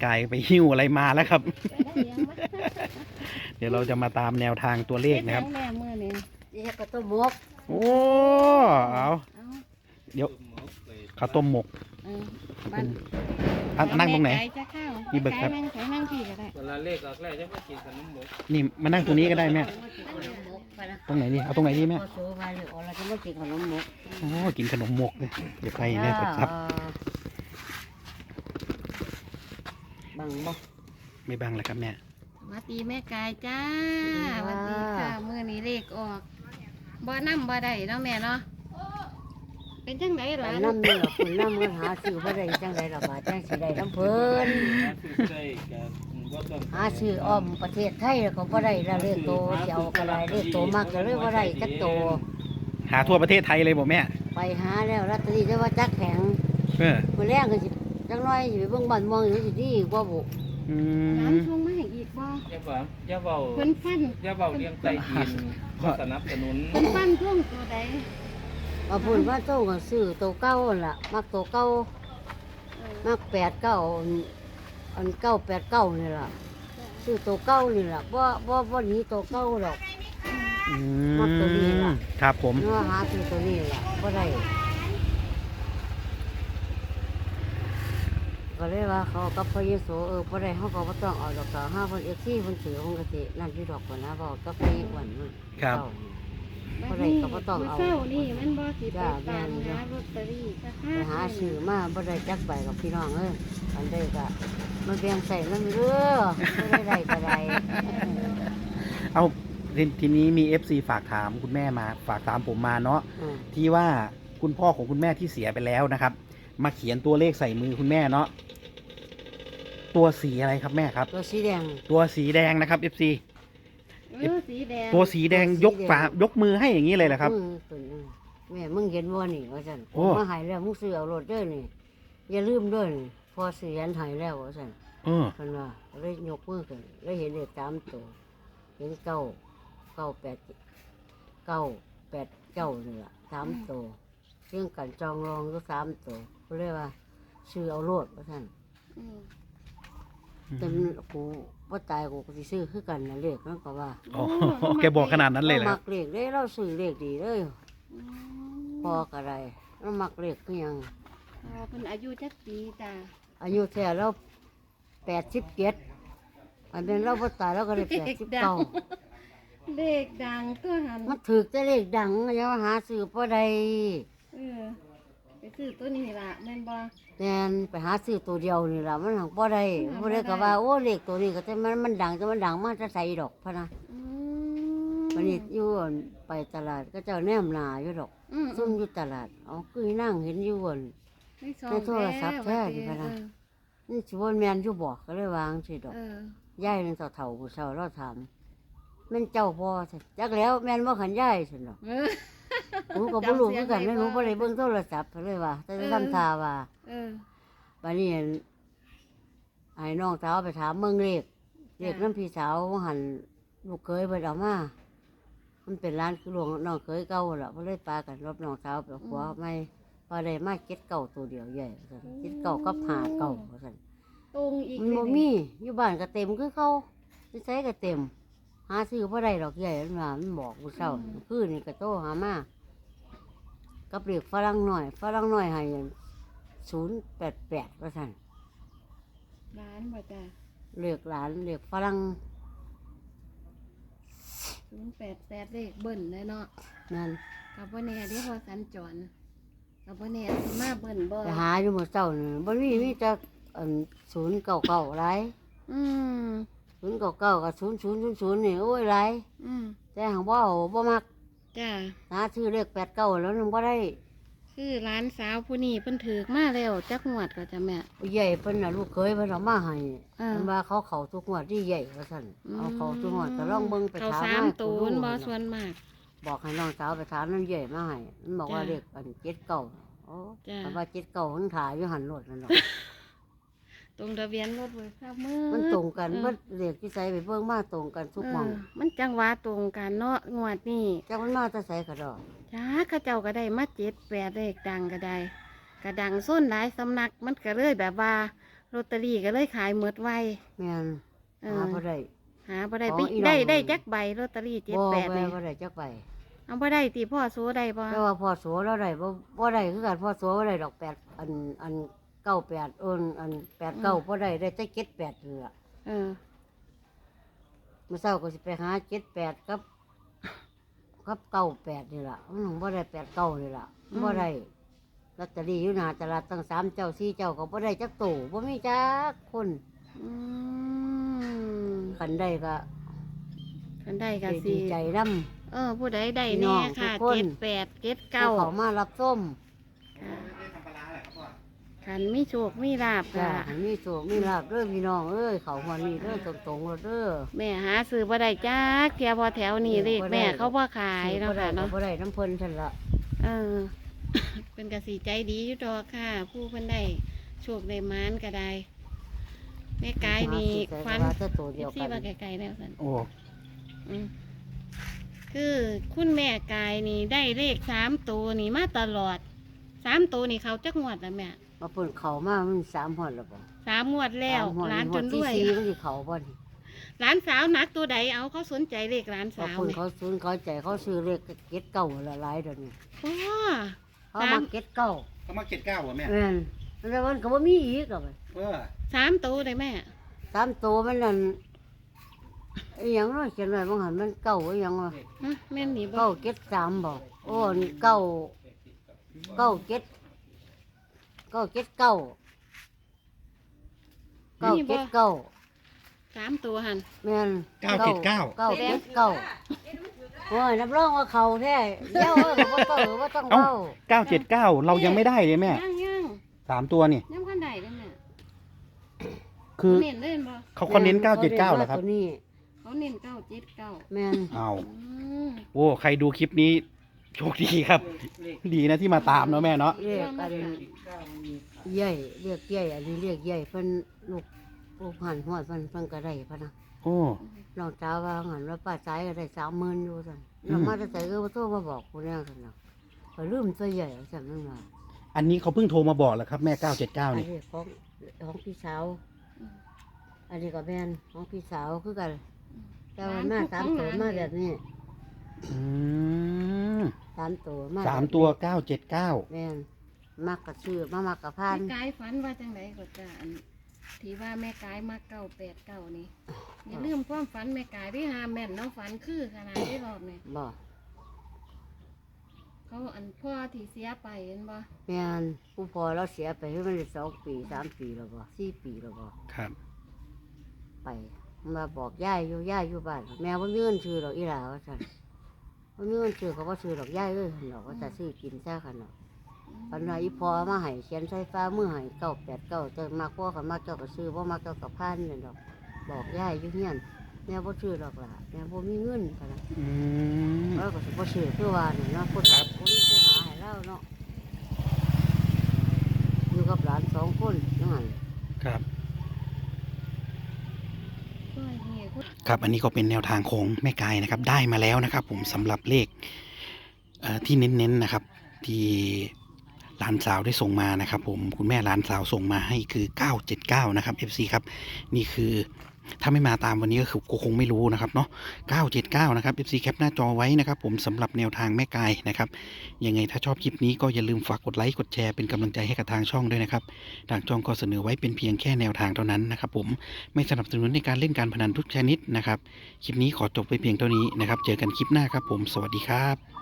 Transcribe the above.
กายไปหิ้วอะไรมาแล้วครับไปได้ยังวะเดี๋ยวเราจะมาตามแนวทางตัวเลขนะครับแม่เมื่อนี่นี่ก็ต้มหมกโอ้เอาเอาเดี๋ยวข้าวต้มหมกเออบ้านนั่งตรงไหนแม่ไก่จะเข้านี่เบิกครับแม่ไก่นั่งที่ก็ได้เวลาเลขออกแล้วจะไม่กินขนมหมกนี่มานั่งตรงนี้ก็ได้แม่ขนมหมกไปนะตรงไหนดีเอาตรงไหนดีแม่พอโซ่ไปเลยอ๋อเราจะไม่กินขนมหมกโอ้กินขนมหมกเลยเดี๋ยวใครแม่กดซับบังบ่ไม่บังเลยครับแม่มาตีแม่ไก่จ้าสสวัวัสสดีดีค่ะค่ะเมื่อนี้เลขออกบ่น้ำบ่ได้เนาะแม่เนาะเป็นจังไดไปล่ะน้ำนี่หรอคุณน้ำกันหาซื้อบ่ได้จังไดล่ะบาดจังสิได้น้ำเพิ่นซื้อได้กับว่าต้องหาซื้ออ้อมประเทศไทยแล้วก็บ่ได้ละเลขโตจะเอาก็ได้เลขโตมากก็เลยบ่ได้จักโตหาทั่วประเทศไทยเลยบอกแม่ไปหาแล้วลอตเตอรี่ได้ว่าจักแข็งเออมื้อแรกก็สิจักหน่อยสิไปเบิ่งบ้านเมืองอยู่สิดีกว่าบ่อืน้มำช่วงมาให้อีกบ่อย่าเบาเพิ่นฟันอย่าเบาเลี้ยงไตดินสนับสนุนเพิ่นฟันช่วงตัวใดว่าพูดว่าโตก็ซื้อโตเก่าหั่นล่ะมักโตเก่าเออมัก89อัน989นี่ล่ะซื้อโตเก่านี่ล่ะบ่หนีโตเก่าดอกอืมักตัวนี้ล่ะครับผมเนื้อหาซื้อตัวนี้ล่ะบ่ได้ก็เลยว่าเขากับพระเยซูบ่ได้เขาก็บ่ต้องเอาดอกต่อ5เพิ่น FC เพิ่นถือเพิ่นก็สินั่นอยู่ดอกก่อนนะบอกกับพระอ้วนมันครับบ่ได้ก็บ่ต้องเอามื้เช้านี่มันบ่สิไปจ้าตามแม่นหาลอตเตอรี่สักไปหาซื้อมาบ่ได้จักใบกับพี่น้องอันใดก็มันแบ่งใส่นำเด้อบ่ได้ก็ได้เอาทีนี้มี FC ฝากถามคุณแม่มาฝากถามผมมาเนาะอืมที่ว่าคุณพ่อของคุณแม่ที่เสียไปแล้วนะครับ มาเขียนตัวเลขใส่มือคุณแม่เนาะตัวสีอะไรครับแม่ครับตัวสีแดงตัวสีแดงนะครับ FC สีแดงตัวสีแดงตัวสียกแดงฝายกมือให้อย่างนี้เลยเหรอครับมือขึ้นแม่มึงเห็นบ่นี่ว่าซั่นโอ้มาใหายแล้วมึงซื้อเอารถเด้อนี่อย่าลืมเด้อนี่พอซื้อยันใหายแล้วว่าซั่นเออเพิ่นว่าเลยยกมือขึ้นเลยเห็นเลข3ตัวเห็น9 9 8 9 8 9นี่ล่ะ3ตัวเรื่องกันจองรองก็3ตัวเพิ่นเลยว่าซื้อเอารถว่าซั่นอืมแต่กูบ่ตายกูก็สิซื้อคือกันน่ะเลขมันก็ว่าโอ้โหแกบอกขนาดนั้นเลยเหรอมักเลขเด้เราซื้อเลขดีเลยอืมพอก็ได้เรามักเลขคือหยังอ๋อเพิ่นอายุจักปีจ้าอายุแท้เรา87อันเป็นเราบ่ตายเราก็ได้89 เลขดังตัวหันมันถูกแต่เลขดังอย่ามาหาซื้อบ่ได้เออไปซื้อตัวนี้ล่ะแม่นบ่แม่นไปหาซื้อตัวเดียวนี่ล่ะมันหังบ่ได้หาบ่บ่ได้ได้ก็ว่าโอ้เลขตัวนี้ก็แต่มันดังแต่มันดังมาจะใส่ดอกพะนะอืวันนี้อยู่อั่นไปตลาดก็เจ้าแนมหน้าอยู่ดอกอืมซุ่มอยู่ตลาดเอาคือนั่งเห็นอยู่อั่น ในโทรศัพท์แท้นี่พะนะ นี่สิบ่แม่นอยู่บ่ก็เลยวางสิดอกเออยายนั่นเฒ่าๆผู้เฒ่าเราถามแม่นเจ้าบ่ซั่นจักแล้วแม่นบ่ขันยายซั่นดอกเออหนูก็บ่รู้คือกันแม่หนูบ่ได้เบิ่งโทรศัพท์เลยว่า แต่ทำท่าว่าเออบัดนี้อั่นให้น้องสาวไปถามเมืองเลขน้ำพี่สาวหันลูกเคยเพิ่นเอามามันเป็นร้านคือหลวงน้องเคยเก่าล่ะเพิ่นเลยปากันรบน้องสาวไปขวาไม่พอได้มาเก็ดเก่าตัวเดียวใหญ่ว่าซั่นเก็ดเก่ากับหาเก่าว่าซั่นตรงอีกมันบ่มีอยู่บ้านก็เต็มคือเขาที่ใช้ก็เต็ม หาซื้อบ่ได้ดอกใหญ่มันว่ามันบอกผู้เฒ่าคือนี่ก็โตหามากับเรียกฝรั่งหน่อยให้088ว่าซั่นร้านบ่จ้าเรียกหลานเรียกฝรั่ง 088เลขเบิ้ลเลยเนาะนั่นกับบ่แน่เดี๋ยวพอสัญจรกับบ่แน่สิมาเบิ้ลบ่ไปหาอยู่มื้อเช้านี่บ่มีแต่อัน099หลายอืม 099กับ0000นี่โอ้ยหลายอืมแต่หังบ่เอาบ่มักจ้าหาซื้อเลข89แล้วนึงบ่ได้คือร้านสาวผู้นี้เพิ่นถือมาแล้วจักงวดก็จะแม่ผู้ใหญ่เพิ่นน่ะลูกเคยเพิ่นเอามาให้อ่าเพิ่นว่าเขาทุกงวดที่ใหญ่ว่าซั่นเอาเขาทุกงวดก็ลองเบิ่งไปเขาถามสามให้ตูผู้นรู้บ่นั่นส่วน่ะนมากบอกให้น้องสาวไปถามน้ำใหญ่มาให้มันบอกว่าจ้ะเลขอัน79โอ้จ้ะแต่ว่า79มันถ่ายอยู่หันรถนั่นเนาะตรงทะเบียนรถเบิกทราบมือมันตรงกันเออเบิดเลขที่ใส่ไปเบิ่งมาตรงกันทุกหม่องมันจังหวะตรงกันเนาะงวดนี้จักมันมาแต่ใส่กระดอกจ้าเข้าเจ้าก็ได้มา7 8เลขดังก็ได้กระดังส้นหลายสำนักมันก็เลยแบบว่าลอตเตอรี่ก็เลยขายหมดไวแม่นเอหาอบ่ได้หาบ่ได้ขไปองอีน้องได้จักใบลอตเตอรี่บ่ 78นี่บ่ได้จักใบเอาบ่ได้ติพ่อโซได้บ่แต่ว่าพ่อโสเราได้บ่ได้คือกันพ่อโสบ่ได้ดอก8อัน98อัน89บ่ได้แต่78นี่ล่ะเออมื้อเช้าก็สิไปหา78กับ98นี่ล่ะมันบ่ได้89นี่ล่ะบ่ได้ลอตเตอรี่อยู่หน้าตลาดตั้ง3เจ้า4เจ้าก็บ่ได้จักตู้บ่มีจักคนอืมคันได้ก็คันได้ก็สิดีใจนำผู้ใดได้พี่น้แน่องค่ะทุกคน 78 เขา 79 มารับส้มคันมีโชคมีลาบจ้าค่ะมีโศกมีลาบเด้อพี่น้องเอ้ยเขาหัวนี่เด้อตรงๆเด้อแม่หาซื้อบ่ได้จักเที่ยพอแถวนี้เลขแม่เขาบ่ขายซื้อเนาะบ่ได้ค่ะเนาะบ่ได้น้ำเพิ่นท่านละเออ เป็นกสิใจดีอยู่ดอกค่ะ ผู้เพิ่นได้โชคได้หมานก็ได้แม่กายนี่ฟันว่าแต่ตัวเดียวซี่กันว่าไกลๆแล้วสันโอ้อืมคือคุณแม่กายนี่ได้เลข3ตัวนี่มาตลอด3ตัวนี่เขาจักงวดแล้วแม่มาเพิ่นเขามามัน3หอดแล้วบ่ 3งวดแล้วสมฮอดร้านจนฮอด้วยที่4มันสิเขาบ่นี่ร้านสาวนักตัวใดเอาเขาสนใจเลขร้านบางสาวคนนี่เขาซื้อเขาใจเขาซื้อเลขเก็ดเก่าละหลายเดี๋ยวนี้โอ้เขามาเก็ดเก่าเขามาเก็ตเก้าเหรอแม่แม่นแล้วมันก็บ่มีอีกอ่ะบัด 3ตัวเลยแม่ 3ตัวมันนั่นอีหยังเนาะเขียนไว้บางหันมันเก่าอีหยังวะฮะแม่นนี่บ่เก้าเก็ด3บ่โอ้นี่เก้าเก็ดเก้าเก็ดเก้าเก็ดเก้า 3ตัวหันแม่นเก้าเจ็ดเก้าเก้าเก็ดเก้าโอ้ยนับรองว่าเขาแท้เดี๋ยวบ่ต้องเอ้าเก้า 979เรายังไม่ได้เลยแม่ยัง 3 ตัวนี่ยังคันใดเด้อแม่คือเน้นเล่นบ่เขาเน้น979เหรอครับตัวนี้เขาเน้น979 แม่นเอาอืมโอ้ใครดูคลิปนี้โชคดีครับ ดีนะที่มาตามเนาะแม่เนาะเรียกอันใหญ่เรียกใหญ่อันนี้เรียกใหญ่เพิ่นลูกหันหัวเพิ่นก็ได้พะนะโอ้น้องสาวว่าหันว่าป้าสายก็ได้30,000อยู่ซั่นแล้วมาแต่ใส่ก็บ่โทรมาบอกผู้แน่ซั่นน่ะก็ลืมตัวใหญ่ซั่นมันว่าอันนี้เขาเพิ่งโทรมาบอกแหละครับแม่อัน 979นี่นี้ของพี่สาว อันนี้ก็แม่นของพี่สาวคือกันแต่ว่ามา3ตัวมาแบบนี้อืม 3ตัวมา 3ตัว979 แม่นมักกะซื้อมักกะพานแม่กายฝันว่าจังไดก็จ้าอันที่ว่าแม่กายมา989นี่อย่าลืมความฝันแม่กายที่หาแม่นเนาะฝันคือขนาดที่รอบนี่บ่เขาอันพ่อที่เสียไปเห็นบ่แม่นผู้พอเราเสียไปให้มันได้2 ปี3 ปีแล้วบ่4 ปีแล้วบ่ครับไปมาบอกย่ายอยู่บ้านแม่บ่มีเงินซื้อดอกอีหลาว่าซั่นบ่มีเงินซื้อเขาบ่ซื้อดอกย่ายเอ้ยหั่นดอกว่าจะซื้อกินซะคั่นดอกปันว่าอีพอมาให้เขียนใส่ฟ้ามือให้989แต่มาพ่อก็มาเจ้าก็ซื้อบ่มาเจ้าก็พานนั่นดอกบอกย่ายอยู่เฮียนแม่บ่ซื้อดอกล่ะแม่บ่มีเงินคั่นน่ะอืมเราก็สิบ่ซื้อคือว่านี่เนาะผู้หาผู้หาให้เราเนาะอยู่กับหลาน2คนนั่นครับก็เฮียคุณครับอันนี้ก็เป็นแนวทางของแม่กายนะครับ ได้มาแล้วนะครับ ผมสำหรับเลขที่เน้นๆนะครับ ที่หลานสาวได้ส่งมานะครับ ผมคุณแม่หลานสาวส่งมาให้คือ979นะครับ FC ครับนี่คือถ้าไม่มาตามวันนี้ก็คือคงไม่รู้นะครับเนาะ979นะครับ FC แคปหน้าจอไว้นะครับ ผมสำหรับแนวทางแม่กายนะครับยังไงถ้าชอบคลิปนี้ก็อย่าลืมฝากกดไลค์กดแชร์เป็นกำลังใจให้กับทางช่องด้วยนะครับทางช่องก็เสนอไว้เป็นเพียงแค่แนวทางเท่านั้นนะครับ ผมไม่สนับสนุนในการเล่นการพนันทุกชนิดนะครับคลิปนี้ขอจบไปเพียงเท่านี้นะครับเจอกันคลิปหน้าครับผมสวัสดีครับ